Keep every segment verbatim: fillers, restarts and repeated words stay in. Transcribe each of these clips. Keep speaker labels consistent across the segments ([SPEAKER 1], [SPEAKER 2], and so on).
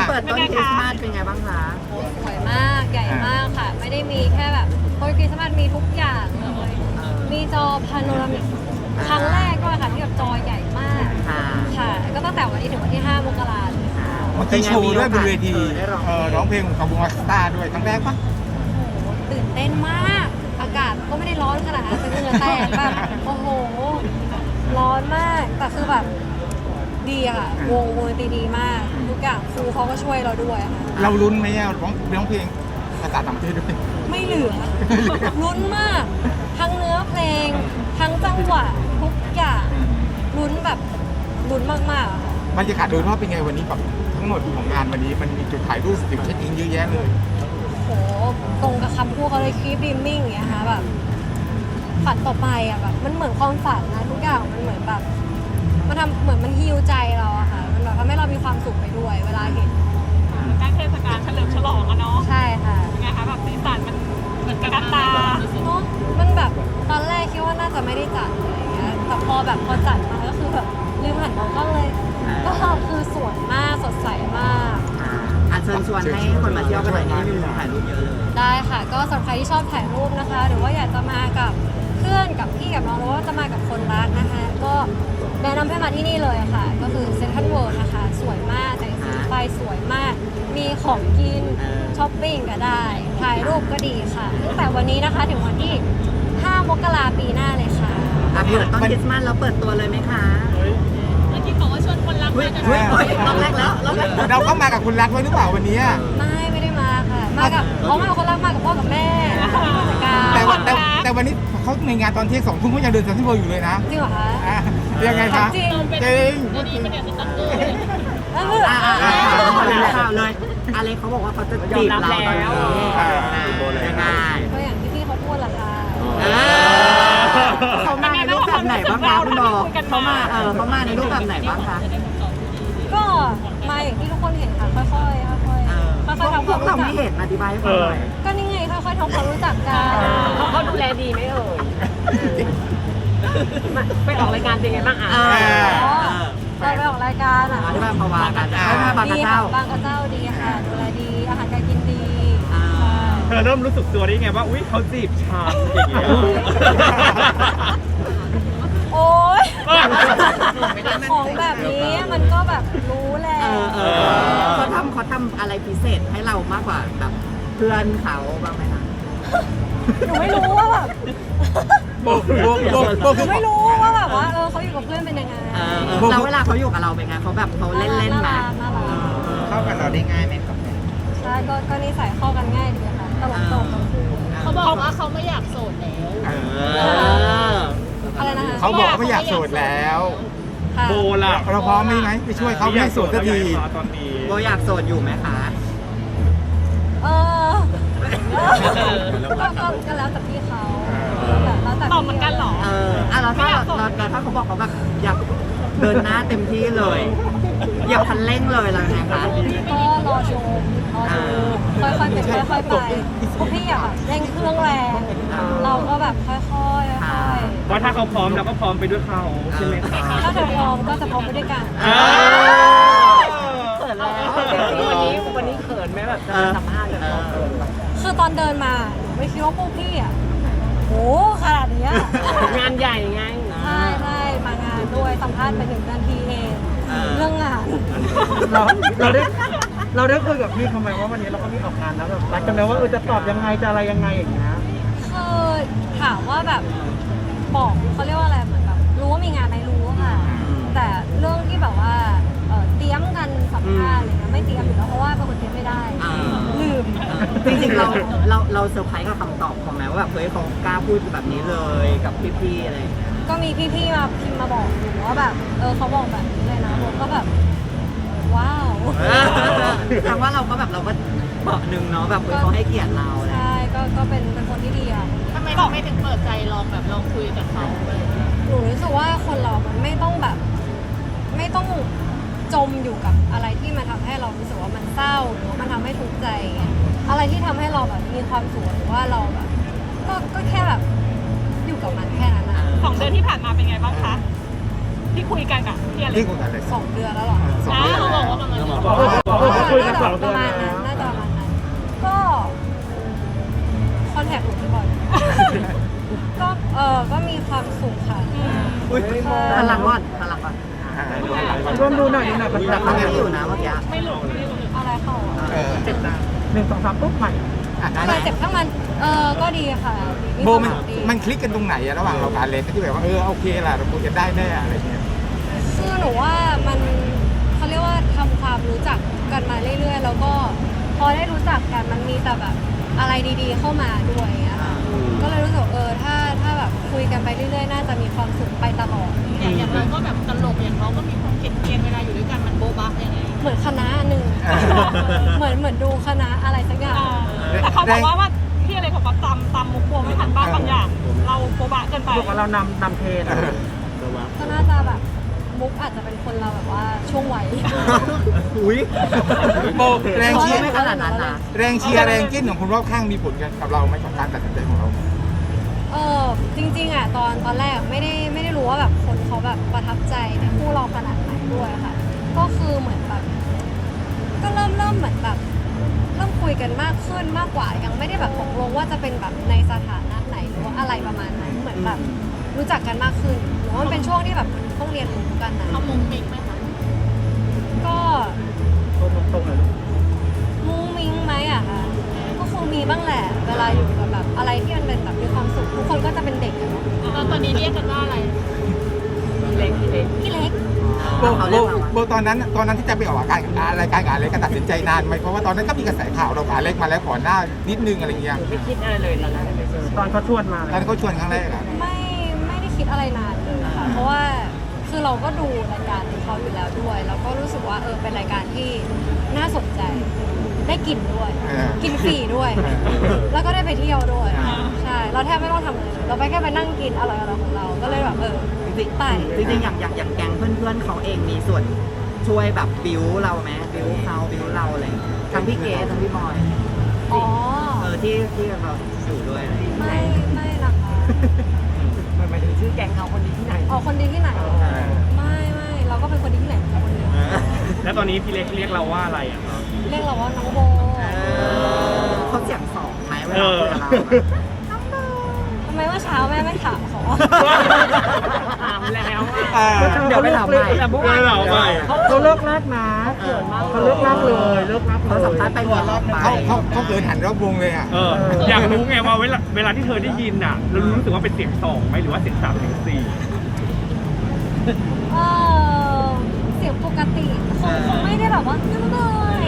[SPEAKER 1] เปิดต้นคริสต์มาสเป็นไงบ้างคะ
[SPEAKER 2] โอ้สวยมากใหญ่มากค่ะ ไม่ได้มีแค่แบบต้นคริสต์มาสมีทุกอย่างเลยมีจอพาโนรามิกครั้งแรกด้วยค่ะที่แบบจอใหญ่มาก
[SPEAKER 1] ค่ะ
[SPEAKER 2] ค่ะก็ตั้งแต่วันนี้ถึงวันที่ห้ามกราเลยค่ะ
[SPEAKER 3] เมื่อกี้โชว์ด้วยบนเวทีเออร้องเพลงของวงออสตาด้วยครั้งแรกปะ
[SPEAKER 2] โอ้โหตื่นเต้นมากอากาศก็ไม่ได้ร้อนขนาดนั้นแต่เหงื่อแตกแบบโอ้โหร้อนมากแต่คือแบบดีอะค่ะวงวงดนตรีดีมากทุกอย่างครูเขาก็ช่วยเราด้วยค่ะ
[SPEAKER 3] เราลุ้นไหมอะร้องร้องเพลงภาษาต่างประเทศด้วย
[SPEAKER 2] ไม่เหลือลุ้นมากทั้งเนื้อเพลงทั้งจังหวะทุกอย่างลุ้นแบบลุ้นมากๆอะค่ะ
[SPEAKER 3] บรรยากาศโดยรอบเป็นไงวันนี้กับทั้งหมดของงานวันนี้มันมีจุดถ่ายรูปจุดเช็คอินเยอะแยะเลย
[SPEAKER 2] โหตรงกับคำพูดเขาเลยคีบดีมมิ่งอย่างเงี้ยค่ะแบบฝันต่อไปอะแบบมันเหมือนความฝันนะทุกอย่างมันเหมือนแบบมันทำเหมือนมันฮีลใจเราอะค่ะมันแบบทำให้เรามีความสุขไปด้วยเวลาเห็น
[SPEAKER 4] การเทศกาลเฉลิมฉลองอะเนาะ
[SPEAKER 2] ใช่ค่ะ
[SPEAKER 4] เป็นไงคะแบบสีสันมันมันกระตา
[SPEAKER 2] เนาะมันแบบตอนแรกคิดว่าน่าจะไม่ได้จัดอะไรอย่างเงี้ยแต่พอแบบพอจัดมาก็คือแบบลืมหันมองกล้องเลย ก็คือสวยมากสดใสมาก
[SPEAKER 1] อ่ะเชิญชวนให้คนมาเที่ยวกันหน่อยนี่มีมุมถ่ายรูปเยอะเลย
[SPEAKER 2] ได้ค่ะ ก็สำหรับใครที่ชอบถ่ายรูปนะคะ หรือว่าอยากจะมากับเพื่อนกับพี่กับน้องหรือว่าจะมากับคนรักนะคะ ก็แนะนำให้มาที่นี่เลยค่ะ ก็คือเซ็นทรัลเวิลด์นะคะ สวยมากแต่งสีไฟสวยมาก มีของกินช้อปปิ้งก็ได้ ถ่ายรูปก็ดีค่ะตั้งแต่วันนี้นะคะถึงวันที่ห้ามกราปีหน้าเลยค่ะ
[SPEAKER 1] อ่ะเปิดต้นคริสต์มาสแล้วเปิดตัวเลยไหมคะ
[SPEAKER 4] เมื่อกี้บอกว่าชวนคนรัก
[SPEAKER 1] เฮ้ย
[SPEAKER 4] มากัน
[SPEAKER 1] เฮ้ยเฮ้ยรอบแรกแล้วรอบแรก
[SPEAKER 3] เราก็มากับคุณรักไว้หรือเปล่าวันนี้
[SPEAKER 2] ไม่ไม่ได้มาค่ะ มากับเขามากับคนรักมากับพ่อกับแม่ผู้จัดการ
[SPEAKER 3] แต่ว่าแต่แต่วันนี้เขาในงานตอนเที่ยงสองทุ่มเขายังเดินเซ็นทรัลเวิลด์อยู่เลยนะ
[SPEAKER 2] จริงเหรอคะ
[SPEAKER 3] อ่ะยังไงคะ
[SPEAKER 2] จริง
[SPEAKER 3] จริง
[SPEAKER 4] วันนี้เป็นเดือนสตั๊กเกอร์
[SPEAKER 2] เออ
[SPEAKER 1] อ่ะอ่ะอ่ะข่าวเลยอะไรเขาบอกว่าเขาจะจีบเราตอนนี้อ่ะยังไง
[SPEAKER 2] ก็อย่างที่พี่เขาพูดแหละค่ะ
[SPEAKER 1] เออเขามาในรูปแบบไหนบ้างคะคุณบอกเขามาเออเขามาในรูปแบบไหนบ้างคะ
[SPEAKER 2] ก็มาอย่างที่ทุกคนเห็นค่ะ ค่อยๆ ค่อยๆ ค่อยๆทำ
[SPEAKER 1] พ
[SPEAKER 2] คว วาก ม
[SPEAKER 1] เรา
[SPEAKER 2] รู้จั
[SPEAKER 1] ไม่
[SPEAKER 2] ก
[SPEAKER 1] เห็นอธิบายให้ฟังหน่อย
[SPEAKER 2] ก็นี่ไงค่อยๆทำความรู้จักกัน
[SPEAKER 5] เขาเขาดูแลดีไหมเอ่ยไปออกรายการเป็นไงบ้างอ่ะ
[SPEAKER 1] เออ
[SPEAKER 2] อ๋อเราไปออกรายการอ่ะ
[SPEAKER 1] อธิบายภาวะกันให้มาบางก
[SPEAKER 2] ดี
[SPEAKER 1] ระ
[SPEAKER 2] ค่ะ
[SPEAKER 1] เจ้า
[SPEAKER 2] บางกระเจ้าดีค่ะ ดูแลดี อาหารการกินดี
[SPEAKER 1] อ่า
[SPEAKER 6] เธอเริ่มรู้สึกตัวได้ไงว่า อุ๊ยเขาจีบฉันอย่างเงี้ย
[SPEAKER 2] โอ๊ย ของแบบนี้มันก็แบบรู้แหละ
[SPEAKER 1] เออเออเขาทำเขาทำอะไรพิเศษให้เรามากกว่าแบบเพื่อนเขาบ้างไหมคะ
[SPEAKER 2] หนูไม่รู้ว่าแบบ
[SPEAKER 3] โบกโบกโบกโบก
[SPEAKER 2] หนูไม่รู้ว่าแบบว่าเออเขาอยู่กับเพื่อนเป็นยังไง
[SPEAKER 1] เออเออแล้วเวลาเขาอยู่กับเราเป็นไงเขาแบบเขาเล่นเล่นๆไหม
[SPEAKER 2] น่ารักน่ารัก
[SPEAKER 3] เข้ากันเราได้ง่ายไหมครับ
[SPEAKER 2] ใช่ก็ก็นิสัยเข้ากันง่ายดีค่ะตลกตลกทั้งคู่
[SPEAKER 4] เขาบอกว่าเขาไม่อยากโสดแล้ว
[SPEAKER 3] เอ
[SPEAKER 1] เอ
[SPEAKER 3] อ
[SPEAKER 1] อ
[SPEAKER 2] อะไรนะคะ
[SPEAKER 3] เขาบอกว่าไม่อยากโสดแล้ว
[SPEAKER 2] ค่ะ
[SPEAKER 6] โบล่ะ
[SPEAKER 3] เราพร้อมไหมไหมไปช่วยเขาไม่ให้โสดสักที
[SPEAKER 6] ตอนนี้
[SPEAKER 1] โบอยากโสดอยู่ไหมคะ
[SPEAKER 2] เออก็ก็ก็แล้วแต่พี่เขาแบบแล้วแต่
[SPEAKER 4] ตอบเหมือนกันเหรอ
[SPEAKER 1] เอออ่ะแล้วถ้าเราเราถ้าเขาบอกเขาแบบอยากเดินหน้าเต็มที่เลย อยากคันเร่งเลยแล้วไงคะ
[SPEAKER 2] ก็รอชมรอดูค่อยๆเป็นค่อยๆไปพวกพี่อยากแบบเร่งเครื่องแรงเราก็แบบค่อยๆค่อยๆ
[SPEAKER 6] ว่าถ้าเขาพร้อมเราก็พร้อมไปด้วยเขาใช่ไหมคะ
[SPEAKER 2] ถ้าเธอพร้อมก็จะพร้อมไปด้วยกัน
[SPEAKER 6] อ่า
[SPEAKER 5] เขินแล้ววันนี้วันนี้เขินไหมแบบจะสัมภาษณ์แบบเราเขินแบบ
[SPEAKER 2] คือตอนเดินมาหนูไม่คิดว่าพวกพี่อ่ะโหขนาดเนี้ย
[SPEAKER 5] งานใหญ่ไง
[SPEAKER 2] ใช่ใช่มางานด้วยสัมภาษณ์ไปหนึ่งนาทีเอง เรื่องงาน
[SPEAKER 6] เราเราได้เราได้คุยกับพี่ทำไมว่าวันนี้เราก็มีออกงานแล้วแบบรักกันแล้วว่าเออจะตอบยังไงจะอะไรยังไงอย่างเงี้ย
[SPEAKER 2] คือถามว่าแบบบอกเขาเรียกว่าอะไรเหมือนแบบรู้ว่ามีงานไหมรู้ค่ะ แต่เรื่องที่แบบว่าเอ่อเตรียมกันสัมภาษณ์อะไรเงี้ยไม่เตรียมอยู่แล้วเพราะว่าเป็นคนเตรียมไม่ได้
[SPEAKER 1] อ่า
[SPEAKER 2] ลืม
[SPEAKER 1] จริงๆเราเราเราเซอร์ไพรส์กับคำตอบเขาไหมว่าแบบเฮ้ยเขากล้าพูดแบบนี้เลยกับพี่ๆอะไรอย่างเงี้ย
[SPEAKER 2] ก็มีพี่ๆมาพิมพ์มาบอกหนูว่าแบบเออเขาบอกแบบนี้เลยนะผมก็แบบว้าว
[SPEAKER 1] แปลว่าเราก็แบบเราก็เบาะหนึ่งเนาะแบบเฮ้ยเขาให้เกียรติเราอะไรอย่างเงี้ย
[SPEAKER 2] ใช่ก็ก็เป็นเป็นคนที่ดีอ่ะ
[SPEAKER 4] ทำไมเราไม่ถึงเปิดใจลองแบบลองคุยกับเขา
[SPEAKER 2] หนูรู้สึกว่าคนเรา มันไม่ต้องแบบ ไม่ต้องจมอยู่กับอะไรที่มันทำให้เรารู้สึกว่ามันเศร้าหรือว่ามันทำให้ทุกข์ใจอย่างเงี้ยอะไรที่ทำให้เราแบบมีความสุขหรือว่าเราแบบ ก็ก็แค่แบบอยู่กับมันแค่นั้นนะ
[SPEAKER 4] สองเดือนที่ผ่านมาเป็นไงบ้างคะ ที่คุยกันกับพี่อเล็
[SPEAKER 3] ที่
[SPEAKER 4] ก
[SPEAKER 3] คุยกันเลย
[SPEAKER 2] สองเดือนแล้วเหรอ
[SPEAKER 3] สอง
[SPEAKER 4] อ้า
[SPEAKER 3] เดือน
[SPEAKER 4] ว
[SPEAKER 3] แล้ว
[SPEAKER 4] บอกว่าประมาณนี้
[SPEAKER 6] บอกว่าคุยกันสอง
[SPEAKER 2] ป
[SPEAKER 6] เดือ
[SPEAKER 2] ระ
[SPEAKER 6] น
[SPEAKER 2] มาณ
[SPEAKER 6] แล้
[SPEAKER 2] นั้น
[SPEAKER 6] ว
[SPEAKER 2] น่าจะประมาณนั้นก็คอนแทคหนูบ่อยก็เออก็มีความสุขค่ะ
[SPEAKER 1] อุ้ย
[SPEAKER 2] ใช่
[SPEAKER 1] พลังก่อนพลังก่อน
[SPEAKER 6] ร่วมดูหน่อยดูหน่อย
[SPEAKER 1] แต่เขาไม่อยู่นะเมื่อกี้
[SPEAKER 4] ไม่หลุดไม่หลุด
[SPEAKER 2] อะไรเข้าอ่ะ
[SPEAKER 3] เออ
[SPEAKER 1] เจ็บนะ
[SPEAKER 6] หนึ่งสองสามปุ๊บใหม่
[SPEAKER 3] อ่ะ
[SPEAKER 2] ทำไมเจ็บข้างมันเออก็ดีค่ะ
[SPEAKER 3] โบมัน
[SPEAKER 2] ควาสุขดี
[SPEAKER 3] มันคลิกกันตรงไหนอะระหว่างเรากับอเล็กที่แบบว่าเออโอเคล่ะเราคุยกันได้แน่อะไรเงี้ย
[SPEAKER 2] คือหนูว่ามันเขาเรียกว่าทำความรู้จักกันมาเรื่อยๆ แล้วก็พอได้รู้จักกันมันมีแต่แบบอะไรดีๆเข้ามาด้วยอย่างเงี้ยค่ะก็เลยรู้สึกเออถ้าถ้าแบบคุยกันไปเรื่อยๆ น่าจะมีความสุขไปตลอด
[SPEAKER 4] อย่างอย่างเราก็แบบตลกอย่างเขาก็มีความเกลียนๆเวลาอยู่ด้วยกันมันโบ๊ะบะยังไง
[SPEAKER 2] เหมือนคณะหนึ่ง เหมือนเหมือนดูคณะอะไรสักอย่าง
[SPEAKER 4] อ่าแต่เขาบอกว่าว่าพี่อะไรบอกว่าจำจำมุกโบไม่ทันบ้างบางอย่าง เราโบ๊ะบะเกินไป
[SPEAKER 6] บอกว่าเรานำนำเทรน
[SPEAKER 2] ก็น่าจะแบบมุกอาจจะเป็นคนเราแบบว่าช่วงวัย
[SPEAKER 1] อุ้ย
[SPEAKER 3] โบแรงเชียร์
[SPEAKER 1] ไม่ขนาดนั้นนะ
[SPEAKER 3] แรงเชียร์แรงจิ้นของคนรอบข้างมีผลกันกับเราไหมกับการตัดสินใจของเรา
[SPEAKER 2] เออจริงๆอ่ะตอนตอนแรกไม่ได้ไม่ได้รู้ว่าแบบคนเขาแบบประทับใจในคู่เราขนาดไหนด้วยค่ะ ก็คือเหมือนแบบก็เริ่มเริ่มเหมือนแบบเริ่มคุยกันมากขึ้นมากกว่า ยังไม่ได้แบบตกลงว่าจะเป็นแบบในสถานะไหนหรือว่าอะไรประมาณนั้นเหมือนแบบรู้จักกันมากขึ้นหรือว่ามันเป็นช่วงที่แบบต้องเรียนรู้กันนะ
[SPEAKER 4] เขามุงมิ้งไหมคะ
[SPEAKER 2] ก็
[SPEAKER 6] ตรงๆเลย
[SPEAKER 2] มุ้งมิ้งไหมอะคะก็คงมีบ้างแหละ เวลาอยู่กับแบบอะไรที่มันเป็นแบบมีความสุขทุกคนก็จะเป็นเด็กอะเนาะ
[SPEAKER 4] แล้วตอนนี้เรียกกันว่าอะไร
[SPEAKER 5] พี่เล็กพี่เล็ก
[SPEAKER 2] พี่เล็ก
[SPEAKER 3] โบโบโบตอนนั้นตอนนั้นที่จะไปออกอากาศรายการกับอเล็กก็ตัดสินใจนานไหมเพราะว่าตอนนั้นก็มีกระแสข่าวเรากับอเล็กมาแล้วก่อนหน้านิดนึงอะไรเงี้ย
[SPEAKER 5] ไม่คิดอะไรเลยตอนแรกไปเจอ
[SPEAKER 6] ตอนเขาชวนมา
[SPEAKER 3] ตอนนั้นเขาชวนครั้งแรกอะ
[SPEAKER 2] ไม่ไม่ได้คิดอะไรนานเลยค่ะ เพราะว่าคือเราก็ดูรายการของเขาอยู่แล้วด้วย แล้วก็รู้สึกว่าเออเป็นรายการที่น่าสนใจ ได้กินด้วย กินฟรีด้วย แล้วก็ได้ไปเที่ยวด้วย ใช่ เราแทบไม่ต้องทำอะไรเลยเราไปแค่ไปนั่งกินอร่อยๆของเรา ก็เลยแบบเออ
[SPEAKER 1] จริง
[SPEAKER 2] ไป
[SPEAKER 1] ๆจริงๆอย่างอย่างอย่างแก๊งเพื่อนๆเขาเองมีส่วนช่วยแบบบิวเราไหมบิวเขาบิวเราอะไรอย่างเงี้ยทั้งพี่เกดทั้งพี่บอย
[SPEAKER 2] อ๋อ
[SPEAKER 1] เออที่ที่เราอยู่ด้วยอะไรอย่างเงี้ย
[SPEAKER 2] ไม่ไม่นะคะ
[SPEAKER 5] มันหมายถึงชื่อแก๊งเขาคนนี้ที่ไหน
[SPEAKER 2] อ๋อคนดีที่ไหน ไม่ไม่เราก็เป็นคนดีที่ไหนคนเดียว
[SPEAKER 7] แล้วตอนนี้พี่เล็กเรียกเราว่าอะไรอ่ะครับ
[SPEAKER 2] เรียกเราว่าน้องโบ
[SPEAKER 1] เขาเสียงสองไหมเว
[SPEAKER 7] เอ
[SPEAKER 1] ลา
[SPEAKER 7] อ
[SPEAKER 1] คุยกับเรา
[SPEAKER 2] ทำไมว่าเช้าแม่ไม่ถามเขา
[SPEAKER 5] ถามแล้ว
[SPEAKER 3] เออ
[SPEAKER 1] เดี๋ยวไปถามใหม่
[SPEAKER 5] แต่เมื่อวาน
[SPEAKER 7] เดี๋ยวใหม่
[SPEAKER 6] เขาเลิกแรกนะเขาเลิกแรกเลยเลิกแรก
[SPEAKER 1] เขาสัมภาษณ์ไปหัวรอบไป
[SPEAKER 3] เขาเขาเขาเกินหันรอบวงเลยอะ
[SPEAKER 7] เออ อยากรู้ไงว่าเวลาเวลาที่เธอได้ยินอ่ะ เรารู้สึกว่าเป็นเสียงสองไหมหรือว่าเสียงสามเสียงสี่
[SPEAKER 2] เออเสียงปกติคงคงไม่ได้แบบว่าน้ำเลย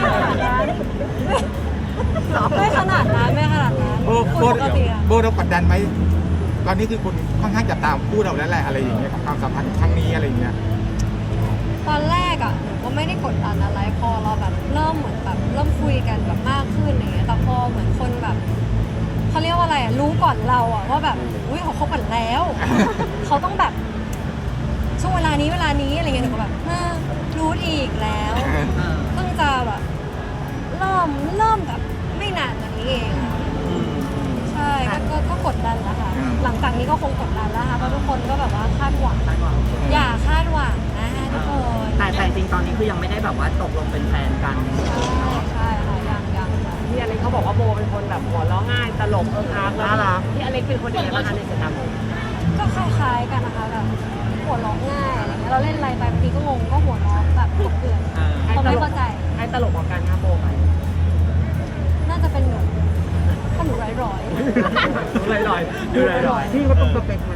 [SPEAKER 2] ไม่ขนาดนั้นไม่ขนาดนั้น
[SPEAKER 3] โบโบ
[SPEAKER 2] ปกติอะ
[SPEAKER 3] โบเรากดดันไหมตอนนี้คือคนค่อนข้างจะตามคู่เราแล้วแหละอะไรอย่างเงี้ยกับความสัมพันธ์ครั้งนี้อะไรอย่างเงี้ย
[SPEAKER 2] ตอนแรกอ่ะหนูก็ไม่ได้กดดันอะไรพอเราแบบเริ่มเหมือนแบบเริ่มคุยกันแบบมากขึ้นอย่างเงี้ยแต่พอเหมือนคนแบบเขาเรียกว่าอะไรอ่ะรู้ก่อนเราอ่ะว่าแบบอุ้ยเขาคบกันแล้ว เขาต้องแบบช่วงเวลานี้เวลานี้อะไรเงี้ยหนูก็แบบเออรู้อีกแล้ว
[SPEAKER 1] เออ
[SPEAKER 2] เพิ่งจะแบบเริ่มเริ่มแบบไม่นานมานี้เองอะใช่ก็ก็ก็กดดันแล้วค่ะ หลังจากนี้ก็คงกดดันแล้วค่ะเพราะทุกคนก็แบบว่าคาดหวัง
[SPEAKER 1] คาดหวัง
[SPEAKER 2] อย่าคาดหวังนะทุกคน
[SPEAKER 1] แต่แต่จริงๆตอนนี้คือยังไม่ได้แบบว่าตกลงเป็นแฟนกัน
[SPEAKER 2] ใช่ใช่ค่ะยังยังค่ะ
[SPEAKER 5] พี่อเล็กเขาบอกว่าโบเป็นคนแบบหัวเราะง่ายตลกเอิ๊กอาร์ก
[SPEAKER 6] น่ารัก
[SPEAKER 5] พี่อเล็กเป็นคนยังไงบ้างคะในสายตาโบ
[SPEAKER 2] ก็คล้ายๆกันนะคะแบบหัวเราะง่ายอะไรเงี้ยเราเล่นอะไรไปบางทีก็งงก็หัวเราะแบบกบเกลื่อน
[SPEAKER 1] เออ
[SPEAKER 2] เขาไม่เข้าใจ
[SPEAKER 5] ใครตลกกว่ากันคะโบไหม
[SPEAKER 2] น่าจะเป็นหนูเพราะหนูร้อยร้อย
[SPEAKER 5] ลอยลอยๆดูลอยลอย
[SPEAKER 6] พี่ก็ต้องสเปคไหม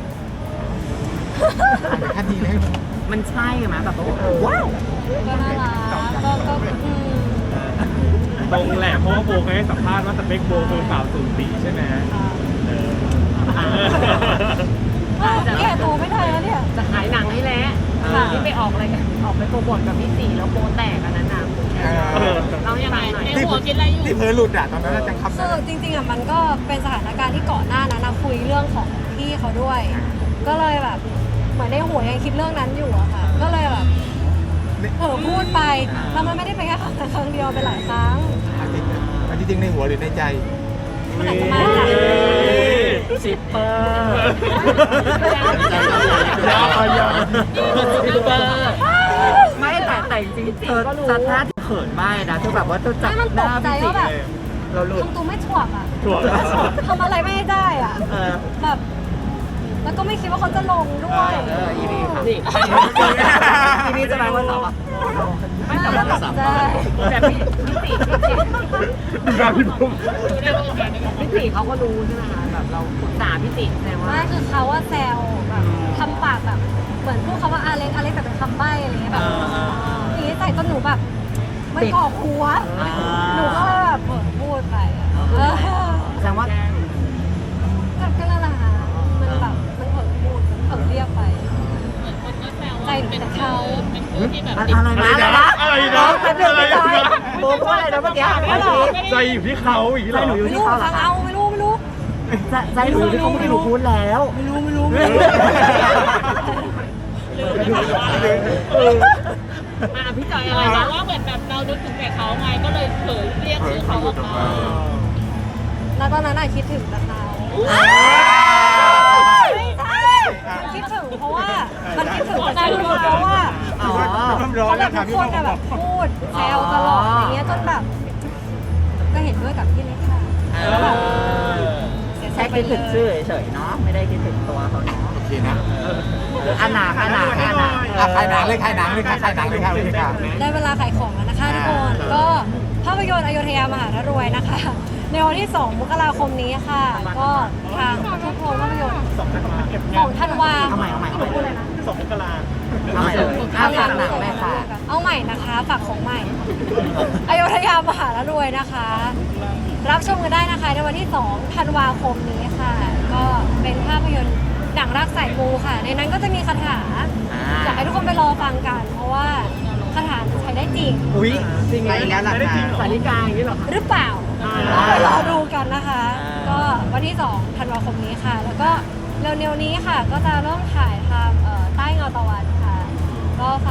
[SPEAKER 3] แค่นี้เลย
[SPEAKER 1] มันใช่ไหมแบบว่าว้าว
[SPEAKER 2] ก็น่ารักก็ก็อืม
[SPEAKER 7] ตรงแหละเพราะว่าโบเคยให้สัมภาษณ์ว่าสเปคโบคือสาวสูงสีใช่ไหมเออ
[SPEAKER 2] เอ้ยแก่ตัวไม่ได้แล้วเนี่ย
[SPEAKER 5] ๆจะขายหนังให้แล้ว
[SPEAKER 2] ค่ะ
[SPEAKER 5] ที่ไปออกอะไรกันออกไปโปรโมทกับพี่สีแล้วโบแตกอันนั้นน่ะ
[SPEAKER 3] เออ
[SPEAKER 5] เรายังไงหน่อย
[SPEAKER 4] ในหัวคิดอะไรอยู่
[SPEAKER 3] ที่เพอหลุดอะตอนนั้นจังคำ
[SPEAKER 2] คือจริงๆอ่ะมันก็เป็นสถานการณ์ที่ก่อนหน้านั้นนะคุยเรื่องของพี่เขาด้วย ก็เลยแบบเหมือนในหัวยังคิดเรื่องนั้นอยู่อะค่ะ ก็เลยแบบเผลอพูดไปแล้วมันไม่ได้เป็นแค่ครั้งเดียวเป็นหลายครั้ง
[SPEAKER 3] อันจริงๆในหัวหรือในใจ
[SPEAKER 2] มันอาจจะมาจาก
[SPEAKER 5] สิบเปอร์
[SPEAKER 7] ยาวไปยาว
[SPEAKER 5] สิบเปอร์
[SPEAKER 1] ไม่แต่แต่จริงๆเธอสถานที่เคขินมากนะคือแบบว่าจะจับ
[SPEAKER 2] ไม่มัน
[SPEAKER 1] ห
[SPEAKER 2] ต
[SPEAKER 1] น้าก
[SPEAKER 2] ใจ
[SPEAKER 1] พี่ติ
[SPEAKER 2] ว่าแบบ
[SPEAKER 1] เลยเราหลุด
[SPEAKER 2] ทำตัวไม่ถ่วงอ่ะ
[SPEAKER 7] ถ่วง
[SPEAKER 2] ทำอะไรไม่ได้อ่ะ
[SPEAKER 1] เออ
[SPEAKER 2] แบบ แล้วก็ไม่คิดว่าเขาจะลงด้วย
[SPEAKER 1] เอออีนี่ค่ะ
[SPEAKER 5] นี่
[SPEAKER 1] อีนี่จะไปวันเสาร์อะ
[SPEAKER 5] ไม่แต่ว่า
[SPEAKER 2] ตกใจ
[SPEAKER 5] แต่พี่พี่ติพี่ติ
[SPEAKER 7] ดูหน้าพี่บุ้ม
[SPEAKER 5] พี่ติเขาก็รู้ใช่ไหมคะแบบเราปรึกษาพี่ติแต่ว่า
[SPEAKER 2] ไม่คือเขาว่าแซวแบบทำปากแบบ เหมือนพูดคำว่าอาเล็กอาเล็กแต่เป็นคำใบ้อะไรเงี้ยแบบอย่างนี้ใส่จนหนูแบบมันก่อหัว หนูก็เลยแบบเปิดพูดไปอะเออ
[SPEAKER 1] แสดงว่า
[SPEAKER 2] ก็ก็นั่นแหละค่ะมันแบบมันเผลอพูดมันเผลอเรียกไปใจหนูแต่เขา
[SPEAKER 1] อะไรนะอะไรนะ
[SPEAKER 7] อะไร
[SPEAKER 1] น้
[SPEAKER 7] นะ
[SPEAKER 1] องแป๊บนึงไม่ได้โบพูดอะไรนะเมื่อกี้
[SPEAKER 7] ใจอยู่ที่เขาอย่างนี้เหร
[SPEAKER 1] ใจ
[SPEAKER 7] อ
[SPEAKER 1] หนูอยู่
[SPEAKER 2] ไม่
[SPEAKER 1] ที่
[SPEAKER 2] รู้
[SPEAKER 1] เขาเหรอ
[SPEAKER 2] เขาเอาไม่รู้ไม่รู้
[SPEAKER 1] ใจใจหนูที่เขาไม่หนูพูดแล้ว
[SPEAKER 2] ไม่รู้ไม่รู้ไม่รู้
[SPEAKER 5] อ่ะพี่จอยอะไรนะว่าเหมือนแบบเรานึกถึงแต่เขาไงก็เลยเผลอเรียกชื่อเขาออกมา
[SPEAKER 2] แล้วตอนนั้นอะคิดถึงแต่เขาไม่ใช่มันคิดถึงเพราะว่ามันคิดถึงแต่เขาเพราะว่า
[SPEAKER 1] อ๋อ
[SPEAKER 2] เขาแบบทุกคนอะแบบพูดแซวตลอดอย่างเงี้ยจนแบบ ก็เห็นด้วยกับพี่เล็กค่ะแล้วแบบเสียใจ
[SPEAKER 1] แค่
[SPEAKER 2] ไป
[SPEAKER 1] คิด
[SPEAKER 2] เล
[SPEAKER 1] ถึงชื่
[SPEAKER 2] ย
[SPEAKER 1] อเฉยๆเนาะไม่ได้คิดถึงตัวเขาเนาะ
[SPEAKER 3] โอเคนะ
[SPEAKER 1] อันหนาอันหนาอันหนา
[SPEAKER 3] อ่ะขายหนังเลยขายหนังเลยค่ะขายหนังเลยค่ะเลยค่ะ
[SPEAKER 2] ได้เวลาขายของแล้วนะคะทุกคนก็ภาพยนตร์อโยธยามหารวยนะคะ ในวันที่สองมกราคมนี้ค่ะ ก็ทางทุกโรงภาพยนตร์ของธันวา
[SPEAKER 1] เอาใหม่เอาใหม่
[SPEAKER 2] ที่หนูพูดเลยนะ
[SPEAKER 6] สองมกรา
[SPEAKER 1] เอาใหม่เลยเอาฝากหนังแม่ค่ะ
[SPEAKER 2] เอาใหม่นะคะฝากของใหม่ อโยธยามหารวยนะคะ รับชมกันได้นะคะในวันที่สองธันวาคมนี้ค่ะ ก็เป็นภาพยนตร์หนังรักสายมูค่ะ ในนั้นก็จะมีคาถาอยากให้ทุกคนไปรอฟังกัน เพราะว่าคาถาใช้ได้จริง
[SPEAKER 1] อุ้ยจริงไหมอีกแล้วหลักฐาน
[SPEAKER 5] สาริกาอย่างนี้เหรอคะ
[SPEAKER 2] หรือเปล่า
[SPEAKER 1] อ่า
[SPEAKER 2] ต้องไปรอดูกันนะคะ
[SPEAKER 1] อ่า
[SPEAKER 2] ก็วันที่สองธันวาคมนี้ค่ะ แล้วก็เร็วๆนี้ค่ะ ก็จะเริ่มถ่ายทำเอ่อใต้เงาตะวันค่ะ ก็ฝ